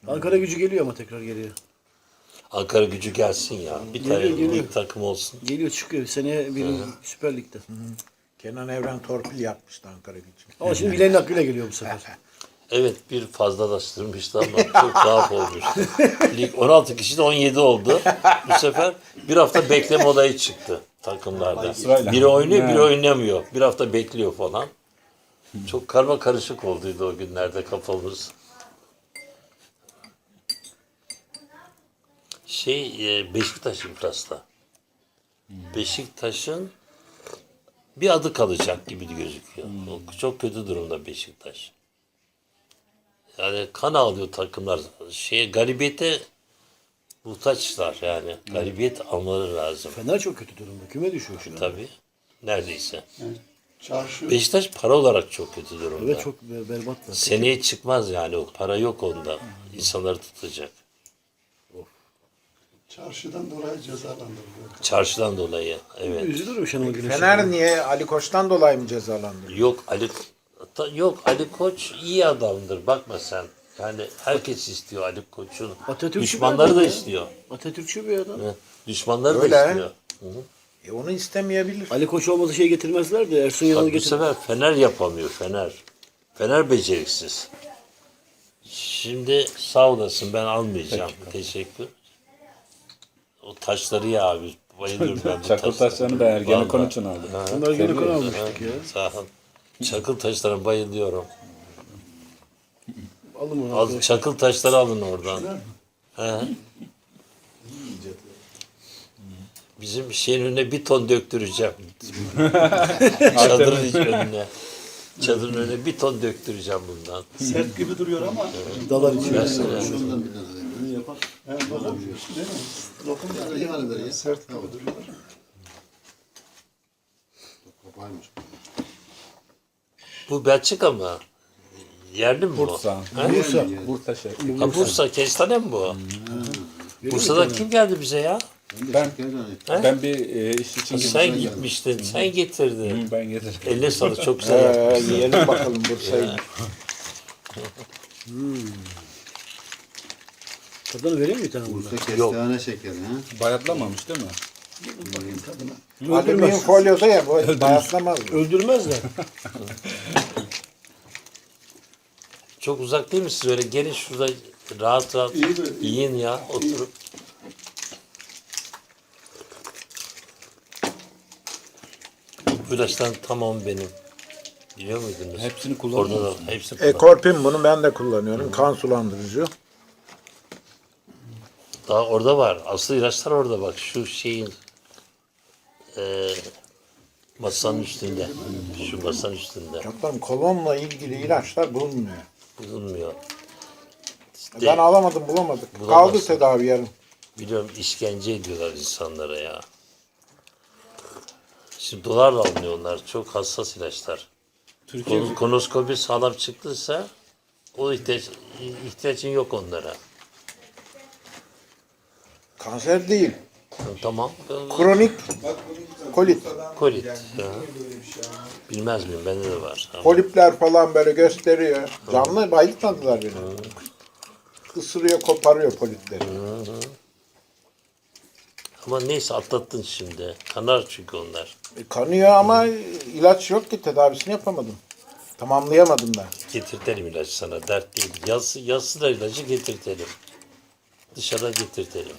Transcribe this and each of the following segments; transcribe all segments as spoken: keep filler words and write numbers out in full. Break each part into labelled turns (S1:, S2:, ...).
S1: Ankara Gücü geliyor ama tekrar geliyor.
S2: Ankara Gücü gelsin ya. Bir
S1: Geliyor,
S2: tane
S1: geliyor.
S2: lig takım olsun.
S1: Geliyor çıkıyor. Seneye bir Süper Lig'de.
S3: Kenan Evren torpil yapmıştı Ankara Gücü.
S1: Ama şimdi bileğin hakkıyla geliyor bu sefer.
S2: Evet, bir fazlalaştırmıştı ama çok tuhaf olmuştu. Lig on altı kişi de on yedi oldu. Bu sefer bir hafta bekleme olayı çıktı takımlarda.
S4: Sırayla.
S2: Biri oynuyor, biri
S4: Ha.
S2: oynamıyor. Bir hafta bekliyor falan. Çok karma karışık olduydu o günlerde kafamız. Şey, e, Beşiktaş iflasda. Beşiktaş'ın bir adı kalacak gibi gözüküyor. O çok kötü durumda Beşiktaş. Yani kan ağlıyor takımlar. Şeye, galibiyete muhtaçlar yani. Galibiyet almaları lazım.
S1: Fener çok kötü durumda. Küme düşüyor şu an.
S2: Tabii. Neredeyse.
S5: Çarşı
S2: Beşiktaş para olarak çok kötü durumda.
S1: Evet çok be- berbatlar.
S2: Seneye çıkmaz yani, o para yok onda. İnsanları tutacak.
S5: çarşıdan dolayı cezalandırılıyor.
S2: Çarşıdan dolayı. Evet.
S1: Üzülürüm Şenol Güneş'e.
S3: Fener niye? Ali Koç'tan dolayı mı cezalandırıyor?
S2: Yok Ali ta- yok Ali Koç iyi adamdır. Bakma sen. Yani herkes istiyor Ali Koç'un.
S1: Atatürkçü
S2: Düşmanları
S1: bir
S2: da
S1: adam ya.
S2: istiyor.
S1: Atatürkçü bir adam.
S2: Hı. Düşmanları
S3: Öyle.
S2: da istiyor.
S3: E onu istemeyebilir.
S1: Ali Koç olmasa şey getirmezler de Ersun Yanal'ı
S2: Bak, bu
S1: getir.
S2: sefer Fener yapamıyor, Fener. Fener beceriksiz. Şimdi sağ olasın, ben almayacağım. Teşekkür. O taşları ya abi. Bayılıyorum ben bu
S4: Çakıl
S2: taşlara.
S4: taşlarını da Ergenekon
S2: Vallahi.
S4: için aldı.
S2: Ha,
S1: Bunlar gene
S4: Seviyoruz.
S1: konu almıştık ya.
S2: Sağ ol. Çakıl taşlarına bayılıyorum.
S1: Alın onu
S2: Al,
S1: arkadaşlar.
S2: çakıl taşları alın oradan. He. Bizim şeyin önüne bir ton döktüreceğim. Çadırın önüne. Çadırın önüne bir ton döktüreceğim bundan.
S5: Sert gibi duruyor ama
S1: Dalar içiyor.
S2: Mesela.
S5: yani lokum değil mi? Lokum yani sert gibi duruyor.
S2: Bu Belçika mı? Yerli mi bu?
S4: Bursa.
S2: Ha?
S1: Bursa.
S4: Bursa şey.
S2: Ha, Bursa, kestane mi bu? Bursa'da kim geldi bize ya?
S4: Ben ben bir e, iş için
S2: Sen
S4: gittim.
S2: gitmiştin, sen getirdin.
S4: Ben getirdim.
S2: Eline sağlık, çok güzel
S3: Ee,
S2: yapmışsın.
S3: yiyelim bakalım Bursa'yı.
S1: Tadını vereyim mi bir tane bundan?
S6: Kestane şekeri ha.
S4: Bayatlamamış değil mi?
S3: Alüminyum folyoda ya bu bayatlamaz.
S1: Öldürmezler.
S2: Çok uzak değil misiniz? Öyle gelin şurada rahat rahat
S5: İyi de-
S2: yiyin ya, oturup. Bu ilaçların tamamı benim. Biliyor muydunuz?
S4: Hepsini kullanıyor
S2: Orada da
S4: musun?
S2: hepsini kullan-
S3: Ekorpin bunu ben de kullanıyorum. Kan sulandırıcı.
S2: Daha orada var. Aslı ilaçlar orada bak. Şu şeyin e, masanın üstünde. Şu masanın üstünde.
S3: Canlarım kolonla ilgili ilaçlar bulunmuyor.
S2: Bulunmuyor. İşte,
S3: Ben alamadım bulamadık. Kaldı
S2: Bulamazsın.
S3: tedavi yarım.
S2: biliyorum, işkence ediyorlar insanlara ya. Şimdi dolarla alınıyor onlar. Çok hassas ilaçlar.
S4: Türkiye
S2: Kon- Konoskopi sağlam çıktıysa o ihtiyaç, ihtiyacın yok onlara.
S3: Kanser değil.
S2: Tamam.
S3: Kronik kolit.
S2: Kolit. Ya. Bilmez miyim? Bende de var. Ama
S3: Polipler falan böyle gösteriyor. Canlı bayıltmadılar beni. Isırıyor, koparıyor polipleri.
S2: Ama neyse, atlattın şimdi. Kanar çünkü onlar.
S3: E, kanıyor ama ilaç yok ki tedavisini yapamadım. Tamamlayamadım ben.
S2: Getirtelim ilacı sana. Dert değil. Yaz, yazsılar ilacı, getirtelim. Dışarıda getirtelim.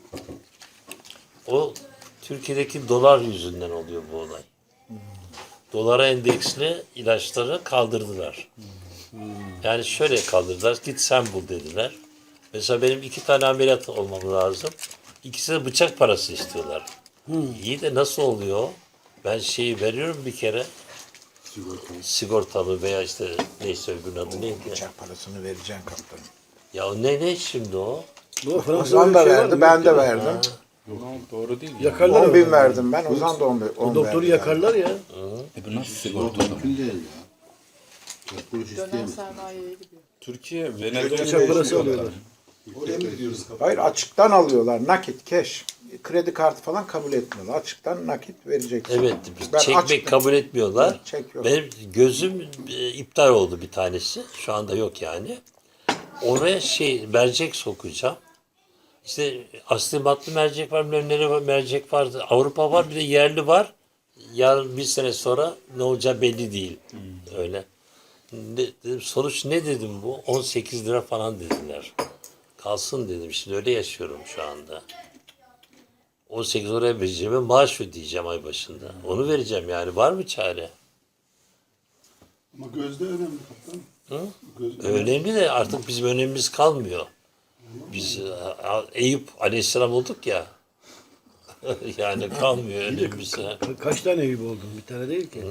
S2: O Türkiye'deki dolar yüzünden oluyor bu olay. Dolara endeksli ilaçları kaldırdılar. Yani şöyle kaldırdılar. Git sen bul dediler. Mesela benim iki tane ameliyat olmam lazım. İkisi de bıçak parası istiyorlar. İyi de nasıl oluyor? Ben şeyi veriyorum bir kere. Sigortalı veya işte neyse öbürünün adı neydi?
S3: Bıçak parasını vereceksin kaptanım.
S2: Ya o ne ne şimdi o?
S1: Bu Fransa'da
S3: Ozan da
S1: öyle bir şey
S3: verdi,
S1: vardı,
S3: ben
S1: yok
S3: de
S1: ya.
S3: verdim.
S4: Doğru değil. Ya.
S1: Yakarlar
S3: on bin
S1: adamı.
S3: verdim ben, Ozan da on bin.
S1: O doktoru yakarlar ya.
S4: E bu nasıl sigorta?
S6: Mümkün değil ya. Kuruş
S7: Dönem
S6: isteyemez.
S7: sermayeye gidiyor.
S4: Türkiye
S1: Bıçak
S4: Venezuela'ya
S1: parası alıyorlar.
S5: Oraya mı gidiyoruz?
S3: Hayır açıktan alıyorlar, nakit, cash. Kredi kartı falan kabul etmiyorlar. Açıktan nakit vereceksin.
S2: Evet,
S3: Ben
S2: çekmek
S3: açıktan-
S2: kabul etmiyorlar.
S3: Evet, çek yok.
S2: Benim gözüm e, iptal oldu bir tanesi. Şu anda yok yani. oraya şey mercek sokacağım. İşte asli matlı mercek var, bilmem var, mercek var. Avrupa var, bir de yerli var. Yarın bir sene sonra ne olacağı belli değil. Öyle. Ne, dedim, sonuç ne dedim bu? on sekiz lira falan dediler. Kalsın dedim. Şimdi öyle yaşıyorum şu anda. on sekiz oraya vereceğim, maaş ödeyeceğim ay başında. Onu vereceğim yani. Var mı çare?
S5: Ama gözde önemli kaptan.
S2: Hı?
S5: Gözde
S2: Önemli de artık bizim önemimiz kalmıyor. Biz e, Eyüp Aleyhisselam olduk ya. Yani kalmıyor önemimiz. ha.
S1: Ka- Kaç tane Eyüp oldun? Bir tane değil ki.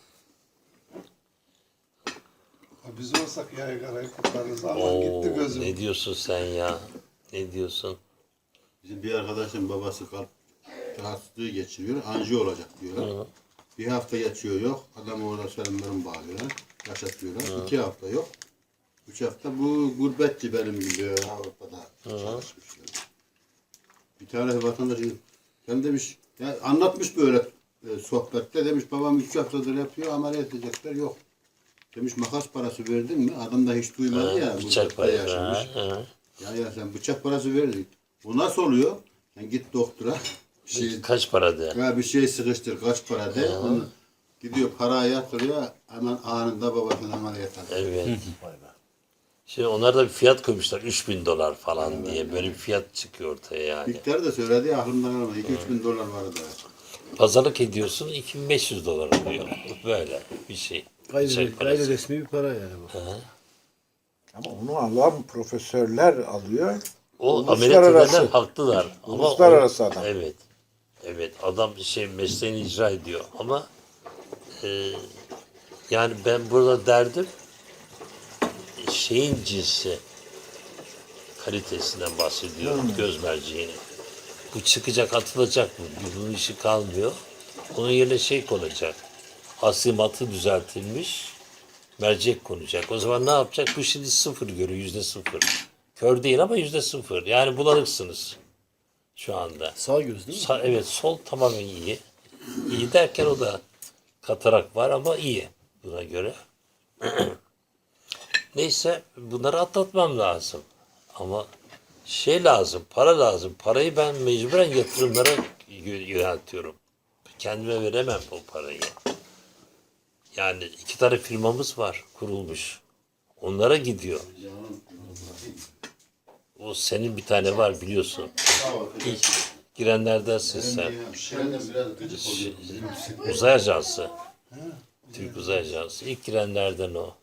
S5: Ha, biz olsak yaygarayı kurtarırız ama
S2: Oo,
S5: gitti gözüm.
S2: ne diyorsun sen ya? Ne diyorsun?
S6: Bizim bir arkadaşın babası kalp rahatsızlığı geçiriyor. Anjiyo olacak diyorlar. Bir hafta geçiyor yok. Adam orada selamlarını bağlıyorlar. Yaşatıyorlar. İki hafta yok. Üç hafta bu gurbetçi benim gibi Avrupa'da çalışmışlar. Bir tane vatandaş ben demiş ya anlatmış böyle e, sohbette demiş babam üç haftadır yapıyor ameliyat edecekler yok. Demiş makas parası verdin mi? Adam da hiç duymadı ya.
S2: Bıçak
S6: gurbette
S2: parası.
S6: yaşamış.
S2: Ha, ha.
S6: Ya ya sen bıçak parası verdin. Bu nasıl oluyor? Sen git doktora bir şey,
S2: Kaç para de?
S6: ya bir şey sıkıştır kaç para de. Onu gidiyor parayı yatırıyor hemen anında babasının ameliyat alıyor.
S2: Evet. Şimdi onlar da bir fiyat koymuşlar. üç bin dolar falan diye. Böyle bir fiyat çıkıyor ortaya yani.
S6: Miktarı da söyledi ya, aklımdan almadı. iki üç bin dolar vardı.
S2: Pazarlık ediyorsun iki bin beş yüz dolar oluyor. Böyle bir şey.
S1: Gayri,
S2: Bıçak
S1: gayri
S2: parası.
S1: resmi bir para yani bu.
S3: Ama onu alan profesörler alıyor.
S2: O
S3: Uluslararası.
S2: ameliyat edenler haklılar. Ama
S3: Uluslararası
S2: o-
S3: adam.
S2: Evet. Evet. Adam şey mesleğini icra ediyor. Ama e, yani ben burada derdim şeyin cinsi kalitesinden bahsediyorum. Göz merceğinin. Bu çıkacak atılacak mı? Bunun işi kalmıyor. Onun yerine şey konacak. Asimatı düzeltilmiş mercek konacak. O zaman ne yapacak? Bu şimdi sıfır görüyor. Yüzde sıfır. Kör değil ama yüzde sıfır. Yani bulanıksınız şu anda.
S1: Sağ göz değil mi?
S2: Sa- evet sol tamamen iyi. İyi derken o da katarak var ama iyi buna göre. Neyse bunları atlatmam lazım. Ama şey lazım, para lazım. Parayı ben mecburen yatırımlara yö- yöneltiyorum. Kendime veremem o parayı. Yani iki tane firmamız var kurulmuş. Onlara gidiyor. O senin bir tane var biliyorsun. İlk girenlerdensin sen.
S6: Şeyden biraz gıcık oluyor.
S2: Uzay Ajansı. Türk Uzay Ajansı. İlk girenlerden o.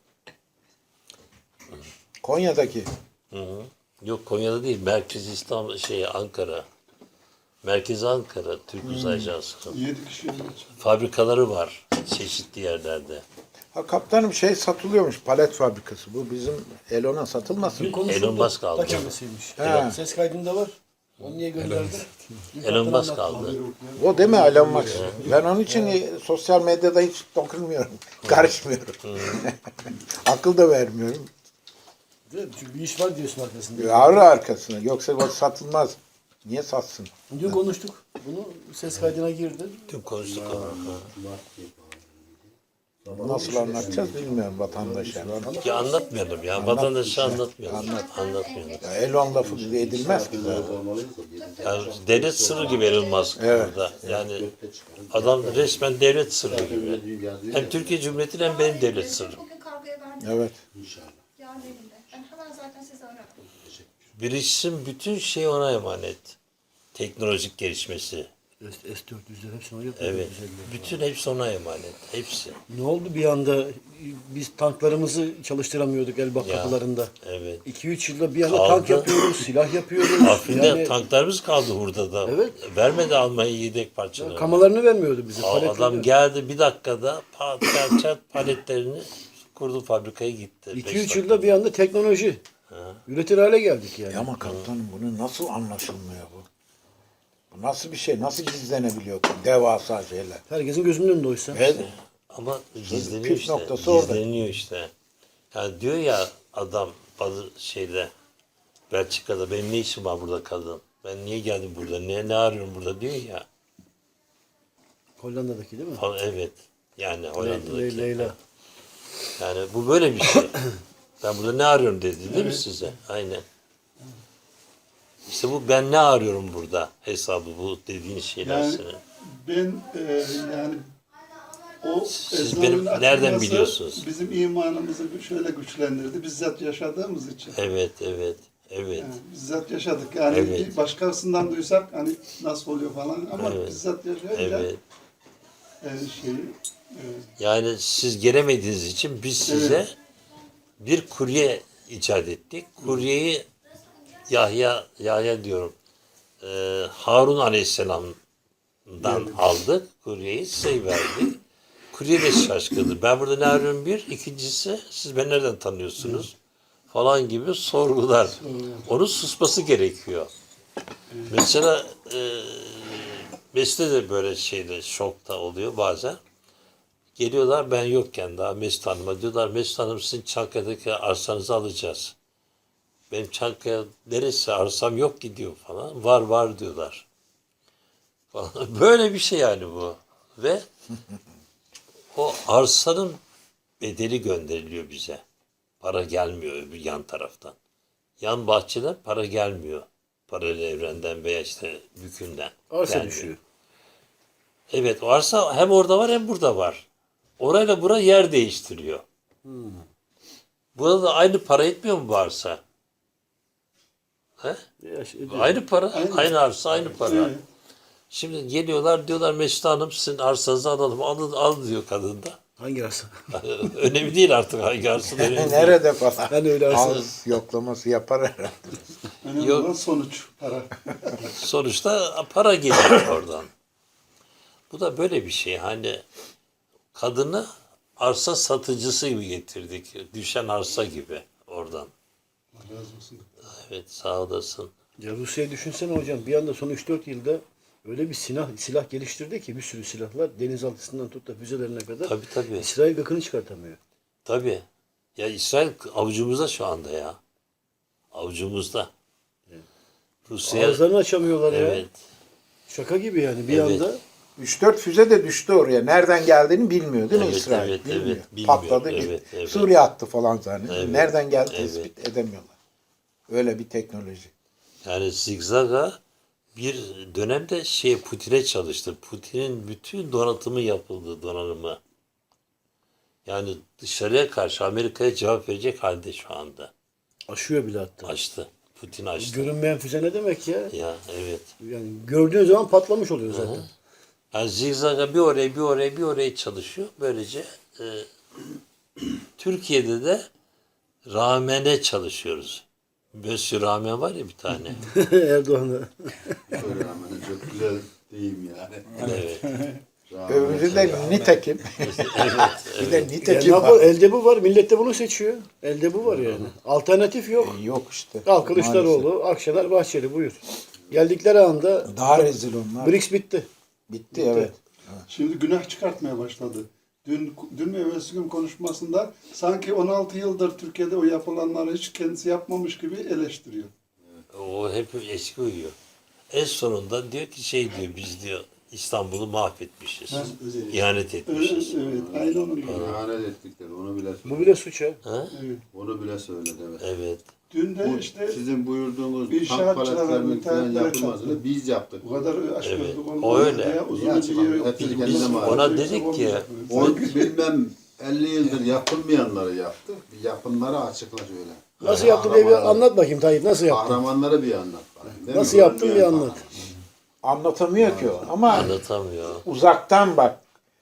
S3: Konya'daki.
S2: Hı hı. Yok Konya'da değil. Merkez İstanbul şey Ankara. Merkez Ankara Türk Uzay Ajansı'nın.
S5: Yedi kişi geç.
S2: Fabrikaları var çeşitli yerlerde.
S3: Ha kaptanım şey satılıyormuş palet fabrikası. Bu bizim Elon'a satılmasın.
S1: Dün konuşuldu.
S2: Elon Musk aldı.
S1: Da kendisiymiş.
S3: He.
S1: Ses kaydında var. Onu niye gönderdi? Dün
S2: Elon
S1: kaptan
S2: Musk
S1: anlattı.
S2: aldı.
S3: O değil mi Elon Musk? Ben onun için e, sosyal medyada hiç dokunmuyorum. Karışmıyorum. Akıl da vermiyorum.
S1: Değil mi? Çünkü bir iş var diyorsun arkasında.
S3: Ağrı arkasına. Yoksa o satılmaz. Niye satsın?
S1: Dün konuştuk. Bunu ses kaydına girdi.
S2: Tüm konuştuk ama.
S3: Nasıl anlatacağız bilmiyorum vatandaşa.
S2: Ki anlatmayalım ya. Vatandaşa anlatmayalım. Anlatmayalım.
S3: Ya Elon lafı edilmez ki zaten.
S2: Yani devlet sırrı gibi Elon Musk burada. Yani adam resmen devlet sırrı gibi. Hem Türkiye Cumhuriyeti'nin hem benim devlet sırrım.
S7: Bugün kargoya verdim.
S3: Evet.
S7: Yarın elinde. Ben hemen zaten sizi ararım.
S2: Bilişim bütün şey ona emanet. Teknolojik gelişmesi.
S1: S dört yüzler hepsini o yapıyor.
S2: Evet.
S1: Güzel.
S2: Bütün hepsi ona emanet. Hepsi.
S1: Ne oldu bir anda biz tanklarımızı çalıştıramıyorduk Elbap
S2: Ya.
S1: kapılarında.
S2: Evet.
S1: iki üç yılda bir anda
S2: Kaldı.
S1: tank yapıyoruz, silah yapıyoruz.
S2: Afrin'de
S1: Yani
S2: tanklarımız kaldı hurdada.
S1: Evet.
S2: Vermedi Almanya yedek parçaları.
S1: kamalarını vermiyordu bize.
S2: Aa,
S1: paletleri.
S2: adam geldi bir dakikada pat çat çat paletlerini kurdu fabrikaya gitti.
S1: iki
S2: Beş
S1: üç
S2: dakika.
S1: yılda bir anda teknoloji. Üretir hale geldik yani.
S3: Ya ama kaptanım bunu nasıl anlaşılmıyor bu? Bu nasıl bir şey? Nasıl gizlenebiliyor? Devasa şeyler.
S1: Herkesin gözünün önünde oysa.
S3: Evet.
S2: Ama gizleniyor
S3: püf
S2: işte.
S3: noktası orada.
S2: Gizleniyor işte. Yani diyor ya adam bazı şeyde Belçika'da benim ne işim var burada kadın? Ben niye geldim burada? Ne ne arıyorum burada diyor ya.
S1: Hollanda'daki değil mi?
S2: Falan, evet. Yani
S1: Le-
S2: Hollanda'daki.
S1: Leyla.
S2: Yani bu böyle bir şey. Ben burada ne arıyorum dedi değil mi size? Aynen. İşte bu ben ne arıyorum burada hesabı bu dediğin şeyler
S5: Yani
S2: senin.
S5: ben e, yani o
S2: Siz
S5: ezanın
S2: benim nereden
S5: açılması
S2: biliyorsunuz?
S5: Bizim imanımızı şöyle güçlendirdi. Bizzat yaşadığımız için.
S2: Evet, evet, evet.
S5: Yani bizzat yaşadık. Yani
S2: Evet.
S5: bir başkasından duysak hani nasıl oluyor falan ama
S2: Evet.
S5: bizzat yaşayınca
S2: Evet.
S5: e, şeyi e,
S2: Yani siz gelemediğiniz için biz size
S5: Evet.
S2: bir kurye icat ettik. Kuryeyi Yahya, Yahya diyorum, e, Harun Aleyhisselam'dan aldık. Kuryeyi size verdik. Kurye de şaşkındır. Ben burada ne arıyorum bir. İkincisi siz beni nereden tanıyorsunuz? Falan gibi sorgular. Onun susması gerekiyor. Mesela e, Mesut'ta de böyle şeyde şokta oluyor bazen. Geliyorlar ben yokken daha Mesut Hanım'a diyorlar Mesut Hanım sizin Çankaya'daki arsanızı alacağız. Benim Çankaya neresi arsam yok ki diyor falan. Var var diyorlar. Falan. Böyle bir şey yani bu. Ve o arsanın bedeli gönderiliyor bize. Para gelmiyor öbür yan taraftan. Yan bahçeden para gelmiyor. Paralel evrenden veya işte bükünden.
S1: Arsa
S2: gelmiyor.
S1: düşüyor.
S2: Evet o arsa hem orada var hem burada var. Orayla bura yer değiştiriyor. Burada da aynı para etmiyor mu bu arsa? He?
S1: Ya, şey,
S2: Aynı para,
S5: Aynı.
S2: aynı, arsa, aynı para.
S5: Evet.
S2: Şimdi geliyorlar diyorlar Mesut Hanım sizin arsanızı alalım. Al, al diyor kadın da.
S1: Hangi arsa?
S2: Önemli değil artık hangi arsa önemli değil.
S3: Nerede falan.
S1: Ben öyle arsa-
S3: Ağız yoklaması yapar herhalde.
S5: önemli
S2: Yok.
S5: olan sonuç para.
S2: Sonuçta para geliyor oradan. Bu da böyle bir şey. Hani kadını arsa satıcısı gibi getirdik. Düşen arsa gibi oradan.
S5: Allah razı olsun.
S2: Evet sağ olasın.
S1: Ya Rusya'yı düşünsene hocam. Bir anda son üç dört yılda öyle bir silah silah geliştirdi ki bir sürü silahlar denizaltısından tut da füzelerine kadar.
S2: Tabii tabii.
S1: İsrail gıkını çıkartamıyor.
S2: Tabii. Ya İsrail avucumuzda şu anda ya. Avucumuzda. Rusya
S1: Ağızlarını açamıyorlar ya.
S2: evet.
S1: Şaka gibi yani bir
S2: Evet.
S1: anda.
S3: üç dört füze de düştü oraya. Nereden geldiğini bilmiyor değil mi
S2: Evet,
S3: İsrail?
S2: evet,
S3: bilmiyor.
S2: evet, bilmiyor.
S3: Patladı
S2: Evet,
S3: gitti.
S2: evet.
S3: Suriye attı falan zannediyor.
S2: Evet,
S3: Nereden geldi
S2: evet.
S3: tespit edemiyorlar. Öyle bir teknoloji.
S2: Yani zigzaga bir dönemde şey Putin'e çalıştı. Putin'in bütün donatımı yapıldı, donanımı. Yani dışarıya karşı Amerika'ya cevap verecek halde şu anda.
S1: Aşıyor bile hatta.
S2: Açtı. Putin açtı.
S1: Görünmeyen füze ne demek ya?
S2: Ya evet.
S1: Yani gördüğün zaman patlamış oluyor zaten.
S2: Yani zigzaga bir oraya bir oraya bir oraya çalışıyor. Böylece e, Türkiye'de de Ramen'e çalışıyoruz. Mösyö Ramen var ya bir tane.
S1: Erdoğan'a.
S6: Böyle rağmen çok güzel deyim yani.
S2: Evet.
S3: Öbürü de nitekim.
S2: evet.
S3: Bir de
S1: Ya
S3: nitekim
S1: ne yapar?
S3: var.
S1: Elde bu var. Millet de bunu seçiyor. Elde bu var yani. Alternatif yok.
S3: Yok işte.
S1: Al Kılıçdaroğlu, Akşener, Bahçeli buyur. Geldikleri anda
S3: Daha rezil onlar.
S1: BRICS bitti.
S3: Bitti evet.
S5: Şimdi günah çıkartmaya başladı. Dün, dün mü evvelsi gün konuşmasında sanki on altı yıldır Türkiye'de o yapılanları hiç kendisi yapmamış gibi eleştiriyor.
S2: O hep eski uyuyor. En sonunda diyor ki şey diyor biz diyor İstanbul'u mahvetmişiz. İhanet
S5: Evet,
S2: etmişiz.
S5: evet aynı onun gibi.
S6: İhanet ettikleri onu bile
S1: Bu
S6: söyledi.
S1: bile suç ha.
S2: Ha?
S5: Evet.
S6: Onu bile söyledi evet.
S2: Evet.
S5: Dün de
S6: Bu
S5: işte
S6: sizin buyurduğunuz
S5: İnşaatçılara,
S6: tank paletlerinin falan
S5: müteahhitlere
S6: yapılmasını
S5: çarptı.
S6: biz yaptık.
S5: bu kadar aşk
S2: Evet,
S5: gördük.
S2: o öyle.
S5: Diye uzun
S6: Ya,
S5: bir
S6: hepsi
S5: Biz-
S6: kendine mal.
S2: Ona dedik ki,
S6: O bilmem elli yıldır yapılmayanları yaptı. Bir yapımları açıkla şöyle.
S1: Nasıl yaptın diye bir anlat bakayım Tayyip. Nasıl yaptın?
S6: Kahramanları bir anlat. bakayım, değil mi?
S1: Nasıl yaptın bir
S6: Ölmeyen
S1: anlat.
S3: Anlatamıyor ki o. Ama
S2: Anlatamıyor.
S3: uzaktan bak.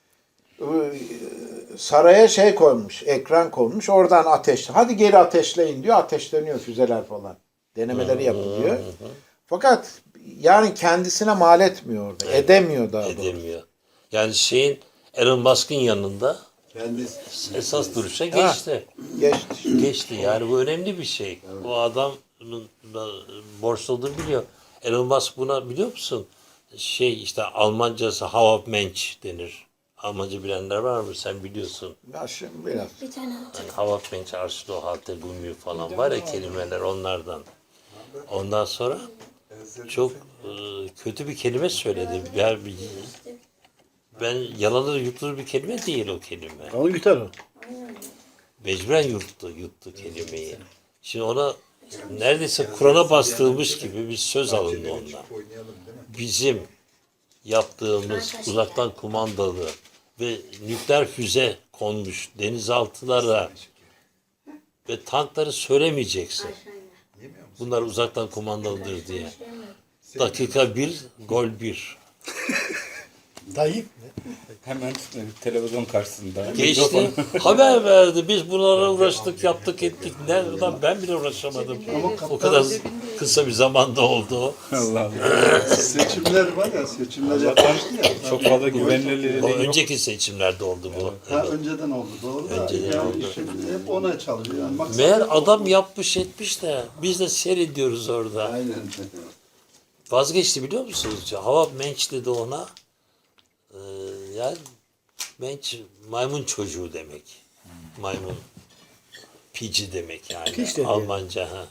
S3: Ee, Saraya şey koymuş, ekran koymuş. Oradan ateş. Hadi geri ateşleyin diyor. Ateşleniyor füzeler falan. Denemeleri yapılıyor. Fakat yani kendisine mal etmiyor orada. Edemiyor daha doğrusu.
S2: Edemiyor. Yani şeyin Elon Musk'ın yanında
S6: Kendisi.
S2: esas duruşa geçti.
S3: Geçti.
S2: Geçti. Yani bu önemli bir şey. O adamın da borçlu olduğunu biliyor. Elon Musk buna biliyor musun? Şey işte Almancası Hauptmensch denir. Almanca bilenler var mı? Sen biliyorsun.
S3: Ya şimdi biraz.
S7: Bir tane
S2: Yani Hauptmensch, Arschloch, Halte, Gummi falan var ya kelimeler onlardan. Ondan sonra çok e, kötü bir kelime söyledi. Ben, ben yalanır yutulur bir kelime değil o kelime.
S1: Onu yutar o.
S2: Mecburen yuttu, yuttu kelimeyi. Şimdi ona neredeyse Kur'an'a bastırılmış gibi bir söz alındı ondan. Bizim yaptığımız uzaktan kumandalı ve nükleer füze konmuş denizaltılara ve tankları söylemeyeceksin. Bunlar uzaktan kumandalıdır diye. Dakika bir, gol bir.
S1: Tayyip.
S4: Hemen televizyon karşısında.
S2: Geçti, haber verdi. Biz bunlara uğraştık, yaptık, ettik. Nereden ben bile uğraşamadım. O kadar kısa bir zamanda oldu o.
S4: Allah Allah.
S5: Seçimler var ya, seçimler yapmıştı ya.
S4: Çok fazla güvenilirliği
S2: O
S4: yok.
S2: önceki seçimlerde oldu bu.
S5: Ha, önceden oldu doğru da.
S2: Önceden
S5: yani
S2: oldu.
S5: şimdi hep ona çalışıyor. Yani maksat
S2: Meğer
S5: hep o.
S2: adam yapmış etmiş de biz de seyrediyoruz orada.
S6: Aynen.
S2: Vazgeçti biliyor musunuz? Hava menç dedi ona. Ee, yani menç maymun çocuğu demek. Maymun. Pici demek yani.
S1: Piç dedi
S2: Almanca ha.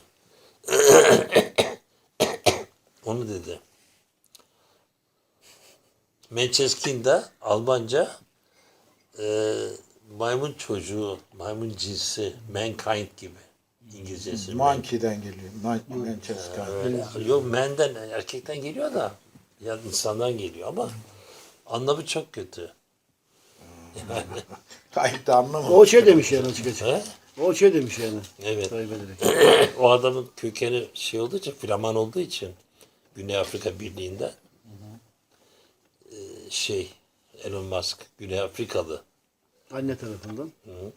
S2: Onu dedi. Mancheskin Almanca e, maymun çocuğu, maymun cinsi, mankind gibi. İngilizcesi.
S3: Monkey'den geliyor. Man- Manchester.
S2: Öyle. Yok man'den, erkekten geliyor da ya insandan geliyor ama anlamı çok kötü.
S3: Tayyip de anlamadı.
S1: O şey demiş yani açık açık.
S2: He?
S1: O şey demiş yani.
S2: Evet.
S1: Tayyip ederek.
S2: O adamın kökeni şey olduğu için, Flaman olduğu için Güney Afrika Birliği'nden e, şey Elon Musk Güney Afrikalı.
S1: Anne tarafından.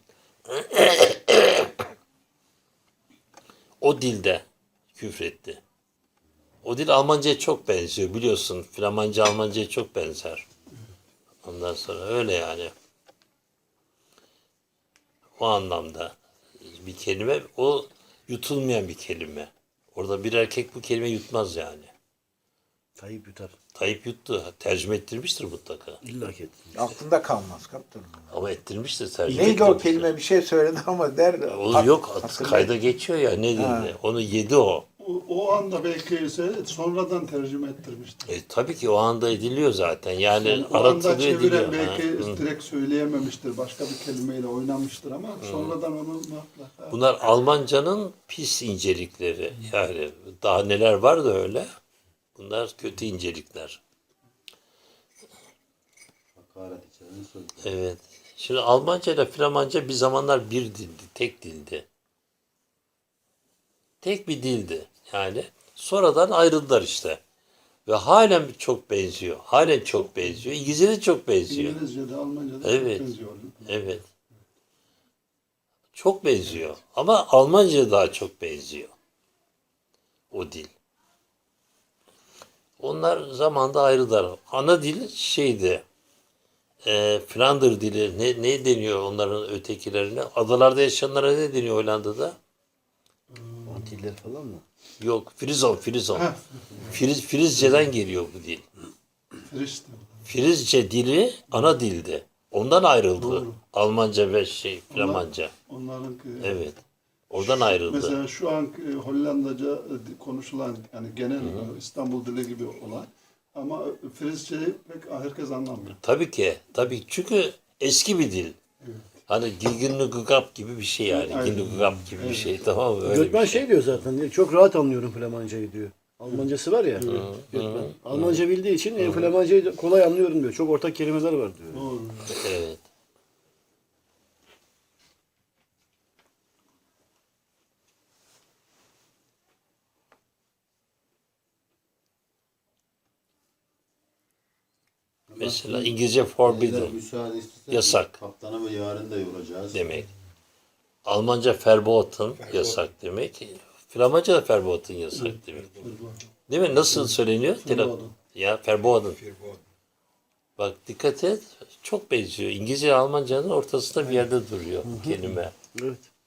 S2: O dilde küfretti. O dil Almanca'ya çok benziyor biliyorsun. Flamanca Almanca'ya çok benzer. Ondan sonra öyle yani. O anlamda bir kelime, o yutulmayan bir kelime. Orada bir erkek bu kelime yutmaz yani.
S1: Tayyip yutar.
S2: Tayyip yuttu. Tercüme ettirmiştir mutlaka.
S1: İlla ki.
S3: Aklında kalmaz kaptanım.
S2: Ama ettirmiştir tercüme.
S3: Neydi o
S2: ettirmiştir.
S3: kelime bir şey söyledi ama der.
S2: O
S3: hat-
S2: yok
S3: hatırlay-
S2: kayda geçiyor ya ne
S3: Ha.
S2: dedi. Onu yedi o.
S5: O, o anda belki ise sonradan tercüme ettirmiştir.
S2: E, tabii ki o anda ediliyor zaten. Yani
S5: Yani o anda
S2: aratılıyor ediliyor.
S5: çeviren belki
S2: Ha, hı.
S5: direkt söyleyememiştir. Başka bir kelimeyle oynamıştır ama sonradan onu mutlaka.
S2: Bunlar Almancanın pis incelikleri. Yani daha neler var da öyle. Bunlar kötü incelikler.
S6: Hakaret içeren söz.
S2: Evet. Şimdi Almanca ile Flamanca bir zamanlar bir dildi. Tek dildi. Tek bir dildi. Yani sonradan ayrıldılar işte. Ve halen çok benziyor. Halen çok benziyor. İngilizce de çok benziyor.
S5: İngilizce'de, Almanca'da
S2: Evet.
S5: çok benziyor.
S2: Evet. Çok benziyor. Ama Almanca daha çok benziyor. O dil. Onlar zamanda ayrılar. Ana dil şeydi. E, Flander dili. Ne, ne deniyor onların ötekilerine? Adalarda yaşayanlara ne deniyor Hollanda'da?
S1: Antiller falan mı?
S2: Yok. Frizon, Frizon.
S5: Heh.
S2: Friz, Frizce'den geliyor bu dil.
S5: Frişti.
S2: Frizce dili ana dildi. Ondan ayrıldı.
S5: Doğru.
S2: Almanca ve şey Flamanca.
S5: Onların
S2: Evet. Oradan ayrıldı.
S5: mesela şu an e, Hollandaca e, konuşulan yani genel e, İstanbul dili gibi olan ama Frizce'yi pek herkes anlamıyor.
S2: Tabii ki. Tabii çünkü eski bir dil. Hani Gilgin-Lugugap gibi bir şey yani.
S5: Aynen.
S2: Gilgin-Lugugap gibi bir şey tamam mı? Öyle
S1: Gökmen
S2: bir şey.
S1: şey diyor zaten. diyor, Çok rahat anlıyorum Flamancayı diyor. Almancası var ya. Gökmen. Almanca bildiği için e, Flamancayı da kolay anlıyorum diyor. Çok ortak kelimeler var diyor.
S5: Doğru.
S2: Evet. Mesela İngilizce
S6: Beyler,
S2: forbidden
S6: müsaade istesek
S2: Yasak.
S6: Kaptanımı yarın da yoracağız.
S2: demek. Almanca verboten yasak demek. Flamanca da verboten yasak demek. Değil mi? Nasıl söyleniyor? Tele- Ya verboten. Bak dikkat et. Çok benziyor. İngilizce ile Almanca'nın ortasında bir yerde duruyor kelime.
S1: Evet.